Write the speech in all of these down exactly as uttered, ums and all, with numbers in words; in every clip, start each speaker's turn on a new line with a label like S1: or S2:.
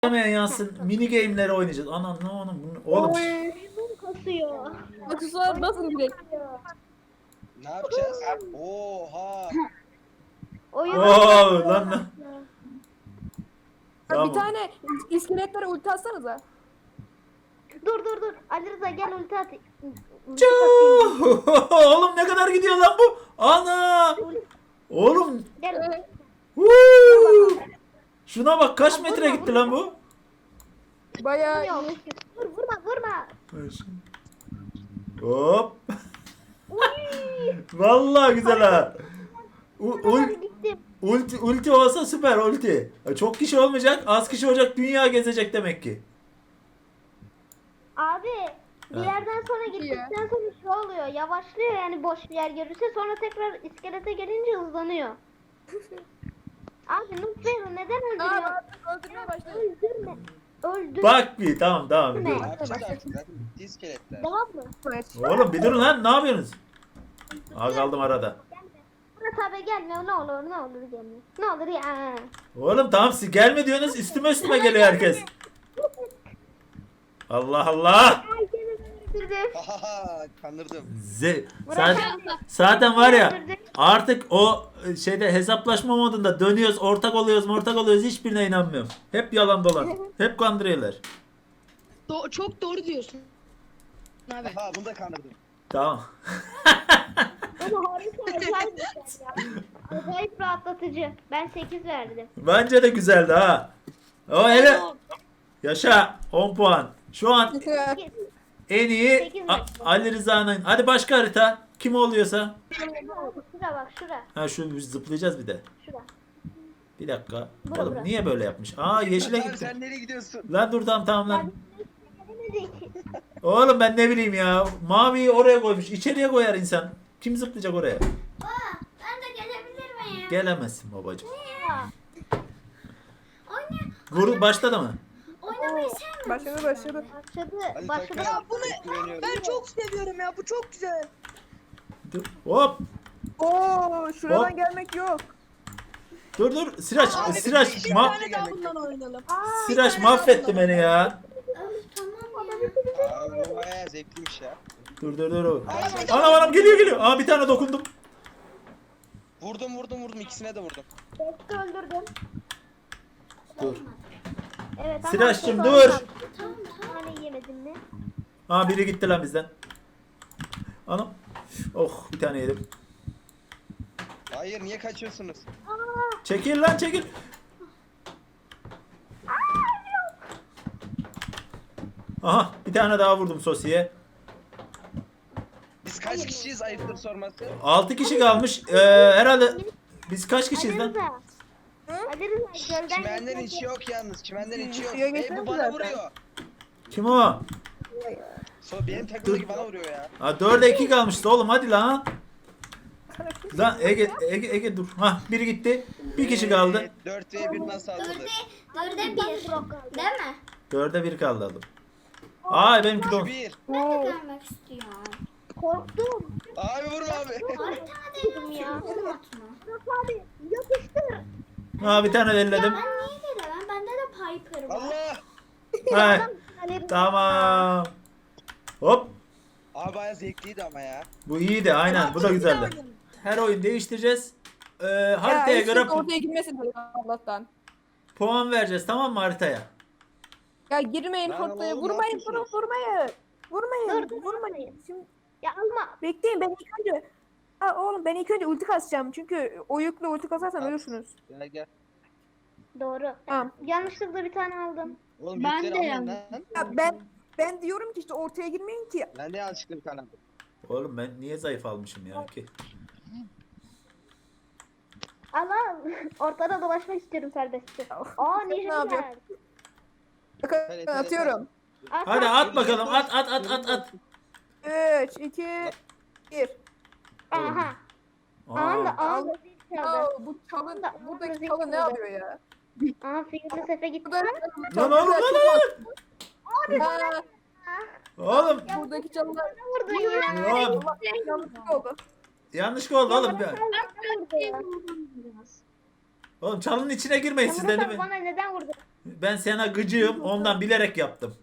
S1: Hemen yansın. Mini game'leri oynayacağız. Anam ne oğlum. Oğlum.
S2: Kasıyor.
S3: Aksesuar basın direkt.
S4: Ne yapacağız? Oha!
S2: Oyun
S1: Oo lan lan.
S3: Bir
S1: Tamam.
S3: tane iskeletlere ulti atsanıza.
S2: Dur dur dur. Ali Rıza gel ulti at. Ulti
S1: Çuu! Oğlum ne kadar gidiyor lan bu? Ana! Oğlum.
S2: Gel.
S1: Huu! Şuna bak kaç metre gitti lan bu?
S3: Bayağı
S2: Yok. Vur vurma vurma.
S1: Hop. Vallahi güzel ha. U-
S2: Kadar
S1: ul-
S2: gittim.
S1: ulti, ulti olsa süper ulti. Çok kişi olmayacak, az kişi olacak, dünya gezecek demek ki.
S2: Abi bir
S1: Ha.
S2: yerden sonra gittikten sonra şu oluyor. Yavaşlıyor yani boş bir yer görürse sonra tekrar iskelete gelince hızlanıyor. Abi Nutfero neden öldürüyor?
S3: Aa, ben öldürmeye başladım.
S2: Öldürme. Öldür.
S1: Bak bir tamam tamam.
S2: Ne?
S1: dur.
S4: Ne yapacağız artık? Zaten bitti iskeletler.
S2: Tamam mı?
S3: Evet.
S1: Oğlum bir durun lan ne yapıyorsunuz? Aa kaldım arada.
S2: Murat abi gelme ne olur ne olur gelme. Ne olur ya.
S1: Oğlum tamam siz gelme diyorsunuz üstüme üstüme geliyor herkes. Allah Allah.
S2: Herkesi öldürdüm.
S4: Hahaha kandırdım.
S1: Z
S2: Murat
S1: zaten,
S2: abi.
S1: zaten var ya artık o şeyde hesaplaşma modunda dönüyoruz ortak oluyoruz ortak oluyoruz hiçbirine inanmıyorum. Hep yalan dolan. Hep kandırıyorlar.
S5: Do- çok doğru diyorsun. Abi.
S4: Haha bunu da kandırdım.
S1: Tamam.
S2: Ama harika acayip bir şey ya. Acayip rahatlatıcı. Ben sekiz verdim.
S1: Bence de güzeldi ha. O hele yaşa on puan. Şu an en iyi
S2: Sekiz
S1: A-
S2: dakika.
S1: Ali Rıza'nın. Hadi başka harita. Kim oluyorsa.
S2: Şura bak şura.
S1: Ha şu biz zıplayacağız bir de.
S2: Şura.
S1: Bir dakika.
S2: Bura,
S1: Oğlum
S2: bura.
S1: niye böyle yapmış? Aa yeşile
S4: Abi
S1: gittim.
S4: sen nereye gidiyorsun?
S1: Lan dur tamam tamam lan.
S2: Gelemedik.
S1: Oğlum ben ne bileyim ya. Maviyi oraya koymuş. İçeriye koyar insan. Kim zıplayacak oraya?
S6: Ben de gelebilir miyim?
S1: Gelemezsin babacığım.
S2: Ya.
S6: Oyna,
S1: Vur başladı mı?
S6: oynamayı sevmiyorum.
S3: Başladı başladı.
S2: Başladı.
S4: Hadi
S2: Başladı.
S4: takım.
S5: bunu-
S4: Güveniyorum.
S5: Ben çok seviyorum ya, bu çok güzel.
S1: Dur. Hop.
S3: Oo, şuradan
S1: Hop.
S3: gelmek yok.
S1: Dur dur. Sıraç.
S4: Abi,
S1: Sıraç.
S4: bir
S1: Ma
S5: Bir tane daha bundan oynayalım.
S1: Sıraç mahvetti beni ya.
S6: Öf, tamam ya.
S4: Abi bu bayağı zevkliymiş ya.
S1: Dur dur dur. Anam anam geliyor geliyor. Aa bir tane dokundum.
S4: Vurdum vurdum vurdum ikisine de vurdum.
S2: Bekle öldürdüm.
S1: Dur.
S2: Evet. ama
S1: Sıraç'cığım,
S2: çok
S1: dur.
S2: az kaldı. Hani yemedin mi?
S1: Aa biri gitti lan bizden. Anam. Oh bir tane yedim.
S4: Hayır niye kaçıyorsunuz?
S1: Çekil lan çekil. Aha bir tane daha vurdum sosiye.
S4: Biz kaç kişiyiz ayıptır sorması?
S1: altı kişi kalmış. Ee, herhalde biz kaç kişiyiz
S2: Ali
S1: lan?
S2: Rıza. Ali Rıza gölden
S4: Çimenlerin
S2: geçmek-
S4: içi yok yalnız. Çimenlerin içi yok.
S3: Suya
S4: Ey
S3: geçmez
S4: bu bana
S3: zaten.
S4: vuruyor.
S1: Kim o?
S4: So, benim takımdaki bana vuruyor ya.
S1: Ha dörde iki kalmıştı oğlum hadi lan. Lan Ege Ege Ege dur. Ha biri gitti. Bir kişi kaldı.
S4: dört ve bir nasıl
S6: Dörde,
S4: atılır?
S6: dörde bir. Değil mi?
S1: Dörde bir kaldı adam. Aa benimki de on.
S4: bir.
S6: Ben de görmek istiyorum.
S2: Korktum.
S4: Abi vurma abi.
S6: Haritada değil
S2: Ya.
S6: ya. Adım atma.
S2: Murat abi yapıştır.
S1: Ha bir tane elledim.
S6: Ben niye gelemem? Bende de Piper var.
S4: Allah.
S1: Ha
S2: Ali Rıza.
S1: tamam. Hop.
S4: Abi bayağı zevkliydi ama ya.
S1: Bu iyiydi aynen. Bu da güzeldi. Her oyun değiştireceğiz. Ee, haritaya
S3: Ya,
S1: göre
S3: hiç ortaya girmesin tabii Allah'tan.
S1: puan vereceğiz tamam mı haritaya?
S3: Ya girmeyin
S4: Lan
S3: ortaya.
S4: oğlum, ne
S3: Vurmayın, vurun,
S4: yapıyorsunuz?
S3: vurmayın. Vurmayın,
S2: Dur, dur,
S3: vurmayın. Şimdi
S2: Ya alma.
S3: bekleyin, ben ilk önce... Ha, oğlum ben ilk önce ulti kasacağım çünkü o yükle ulti kasarsan
S4: At.
S3: ölürsünüz.
S4: Gel gel.
S2: Doğru.
S3: Tamam.
S2: Yanlışlıkla bir tane aldım.
S4: Oğlum
S5: Ben
S4: yükleri
S5: de
S4: almayın
S5: yandım.
S4: lan.
S3: Ya ben ben diyorum ki işte ortaya girmeyin ki.
S4: Ben de yanlışlıkla bir tane aldım.
S1: Oğlum ben niye zayıf almışım ya ki?
S2: Ama ortada dolaşmak istiyorum serbestçe. Aa
S3: Ne yapıyor?
S2: Nijerler.
S3: Bakın
S4: Evet, evet,
S3: atıyorum.
S1: Hadi at bakalım at at at at at.
S3: üç, iki, bir.
S2: Aha. Aa da
S1: Aa,
S2: aa da zil çaldı.
S3: Aa, bu çalın,
S2: Da-
S3: buradaki
S2: da-
S3: çalın ne yapıyor ya?
S2: Aa Firuze Sefe gitti.
S3: Burada
S1: Lan oğlum lan lan.
S3: Ha,
S1: Oğlum
S3: buradaki çalılar
S2: Vurdun ya.
S1: ya,
S3: yanlışlık oldu.
S1: yanlış oldu oğlum.
S2: Bana
S1: Ya.
S2: vurdu ya.
S1: Oğlum çalının içine girmeyin siz de
S2: Murat
S1: değil
S2: abi
S1: mi?
S2: bana neden vurdun?
S1: Ben sana gıcığım ondan bilerek yaptım.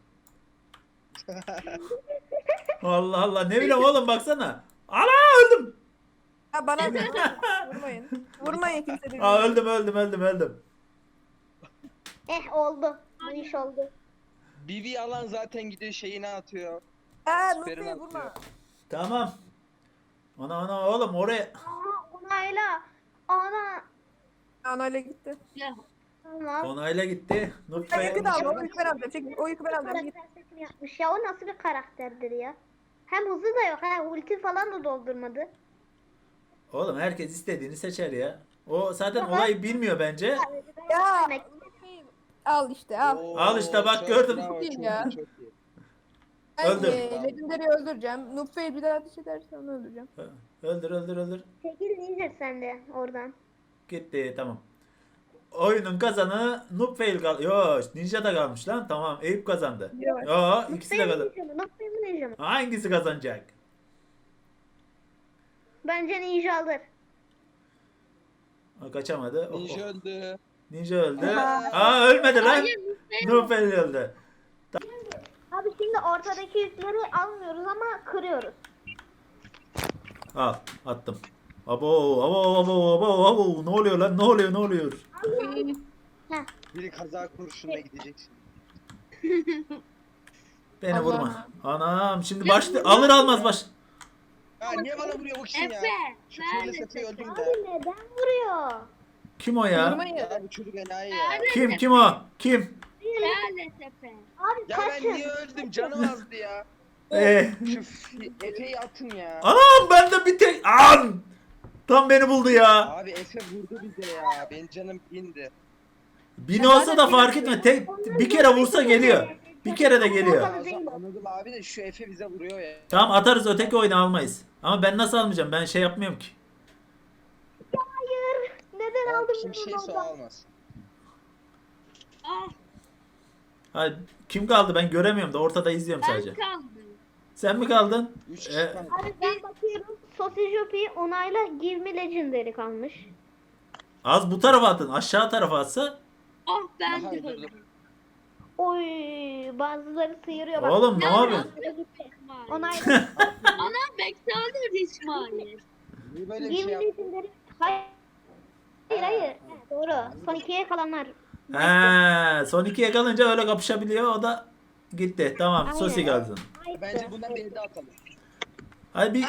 S1: Allah Allah ne bileyim oğlum baksana. Ana öldüm.
S3: Ha bana vurmayın. Vurmayın kimse birbirini.
S1: Aa öldüm öldüm öldüm öldüm.
S2: Eh oldu. Bu iş oldu.
S4: Bibi alan zaten gidiyor şeyine atıyor.
S3: Ha
S4: Süperin
S3: Nurfe'yi vurma.
S4: atıyor.
S1: Tamam. Ana ana oğlum oraya.
S2: Aha onayla. Ana.
S3: Anayla gitti.
S2: Tamam.
S1: Onayla gitti.
S3: Ben
S1: Nutfe.
S3: yükü de aldım. O yükü ben alacağım. Çek, o yükü ben alacağım. Git.
S2: Karakter seçimi yapmış ya. O nasıl bir karakterdir ya? Hem hızı da yok. Ha ulti falan da doldurmadı.
S1: Oğlum herkes istediğini seçer ya. O zaten olayı bilmiyor bence.
S3: Ya.
S2: Demek-
S3: Nurfe'yi al işte al.
S4: Oo,
S1: Al işte bak,
S4: çok
S1: gördün.
S4: bravo,
S3: Çok iyi
S4: çok
S3: ya.
S4: iyi, çok iyi.
S3: Ben
S1: Öldür.
S3: e, Legendary'i öldüreceğim. Nurfe'yi bir daha ateş ederse onu öldüreceğim.
S1: Öldür öldür öldür.
S2: Çekil Ninja sen de oradan.
S1: Gitti tamam. Oyunun kazanı Nupfail kal. Yo Ninja da kalmış lan. Tamam Eyüp kazandı.
S3: Yok.
S1: Yo ikisi de
S2: Nutfe'yi
S1: kazandı.
S2: Ninja mı? Nutfe'yi mi Ninja mı?
S1: Hangisi kazanacak?
S2: Bence Ninja alır.
S1: O kaçamadı. Oh, oh.
S4: Ninja öldü.
S1: Ninja öldü.
S3: Aha.
S1: Aa ölmedi lan. Nupfail öldü.
S2: Abi şimdi ortadaki yükleri almıyoruz ama kırıyoruz.
S1: Al attım. Abo abo abo abo abo ne oluyor lan ne oluyor ne oluyor?
S2: Heh.
S4: Biri kaza kurşununa gidecek şimdi.
S1: Beni
S3: Allah.
S1: vurma. Anam şimdi başlı alır almaz baş.
S4: Ya niye bana vuruyor bu kişi ya? Şu şöyle Sefe'yi öldürün
S2: Abi
S4: ya.
S2: neden vuruyor?
S1: Kim o ya?
S3: Vurmayın.
S4: Ya bu çocuk enayi ya.
S1: Kim kim o? Kim?
S2: Abi
S4: Ya ben
S2: kaçın.
S4: niye öldüm? Canım azdı ya.
S1: Ee,
S4: Şu f- Efe'yi atın ya.
S1: anam ben de bir tek an. Tam beni buldu ya.
S4: Abi Efe vurdu bize ya. Benim canım indi.
S1: Bin olsa da fark etme. Tek bir kere vursa geliyor. Bir kere de geliyor.
S4: Anladım, anladım abi de şu Efe bize vuruyor ya.
S1: Tamam atarız öteki oyunu almayız. Ama ben nasıl almayacağım? Ben şey yapmıyorum ki.
S2: Hayır. Neden
S4: Abi
S2: aldın
S4: kim
S2: bunu
S4: şeyse o
S2: oradan?
S4: almaz.
S1: Hayır, kim kaldı ben göremiyorum da ortada izliyorum sadece. Sen mi kaldın?
S4: Üç
S1: Ee,
S4: kişi kaldı.
S2: Abi ben bakıyorum. Sosyopi onayla Give Me Legendary kalmış.
S1: Az bu tarafa atın. Aşağı tarafa atsa.
S4: Aha, öldürdüm.
S2: Oy bazıları sıyırıyor bak.
S1: Oğlum ne yapıyorsun?
S2: Onayla.
S4: Niye böyle bir
S2: Give
S4: şey
S2: Me
S4: yaptın?
S2: Legendary. Hayır. Hayır hayır. Evet, doğru. Son ikiye kalanlar.
S1: He, son ikiye kalınca öyle kapışabiliyor. O da gitti. Tamam.
S2: Aynen.
S1: Sosi kaldı.
S2: Hayır.
S4: Bence bundan beni de atalım.
S1: Hadi bir